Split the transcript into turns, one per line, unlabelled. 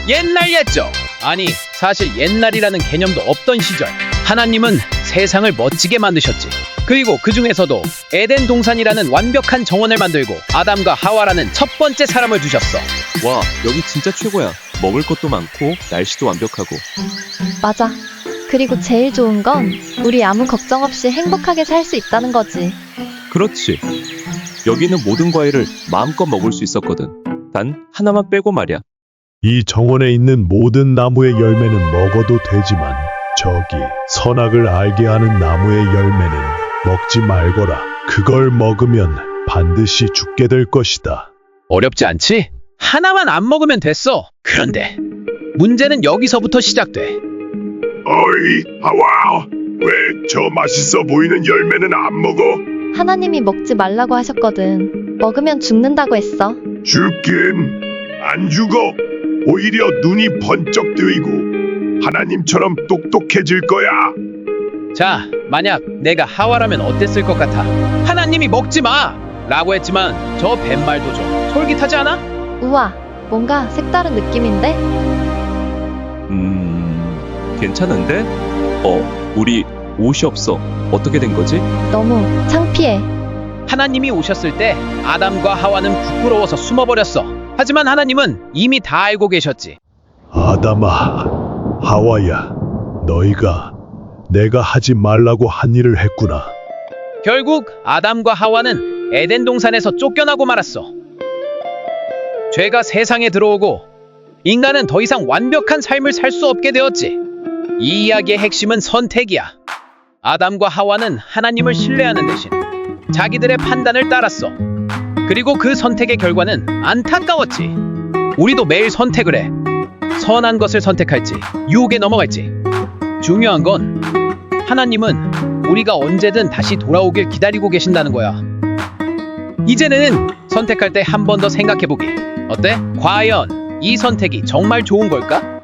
옛날이었죠. 아니, 사실 옛날이라는 개념도 없던 시절 하나님은 세상을 멋지게 만드셨지. 그리고 그 중에서도 에덴 동산이라는 완벽한 정원을 만들고 아담과 하와라는 첫 번째 사람을 두셨어.
와, 여기 진짜 최고야. 먹을 것도 많고 날씨도 완벽하고.
맞아. 그리고 제일 좋은 건 우리 아무 걱정 없이 행복하게 살 수 있다는 거지.
그렇지. 여기는 모든 과일을 마음껏 먹을 수 있었거든. 단 하나만 빼고 말이야.
이 정원에 있는 모든 나무의 열매는 먹어도 되지만 저기 선악을 알게 하는 나무의 열매는 먹지 말거라. 그걸 먹으면 반드시 죽게 될 것이다.
어렵지 않지? 하나만 안 먹으면 됐어. 그런데 문제는 여기서부터 시작돼.
어이, 하와, 왜 저 맛있어 보이는 열매는 안 먹어?
하나님이 먹지 말라고 하셨거든. 먹으면 죽는다고 했어.
죽긴 안 죽어. 오히려 눈이 번쩍 뜨이고 하나님처럼 똑똑해질 거야.
자, 만약 내가 하와라면 어땠을 것 같아? 하나님이 먹지 마! 라고 했지만 저 뱃말도 좀 솔깃하지 않아?
우와, 뭔가 색다른 느낌인데?
괜찮은데? 우리 옷이 없어. 어떻게 된 거지?
너무 창피해.
하나님이 오셨을 때 아담과 하와는 부끄러워서 숨어버렸어. 하지만 하나님은 이미 다 알고 계셨지.
아담아, 하와야, 너희가 내가 하지 말라고 한 일을 했구나.
결국 아담과 하와는 에덴 동산에서 쫓겨나고 말았어. 죄가 세상에 들어오고 인간은 더 이상 완벽한 삶을 살 수 없게 되었지. 이 이야기의 핵심은 선택이야. 아담과 하와는 하나님을 신뢰하는 대신 자기들의 판단을 따랐어. 그리고 그 선택의 결과는 안타까웠지. 우리도 매일 선택을 해. 선한 것을 선택할지 유혹에 넘어갈지. 중요한 건 하나님은 우리가 언제든 다시 돌아오길 기다리고 계신다는 거야. 이제는 선택할 때 한 번 더 생각해보기. 어때? 과연 이 선택이 정말 좋은 걸까?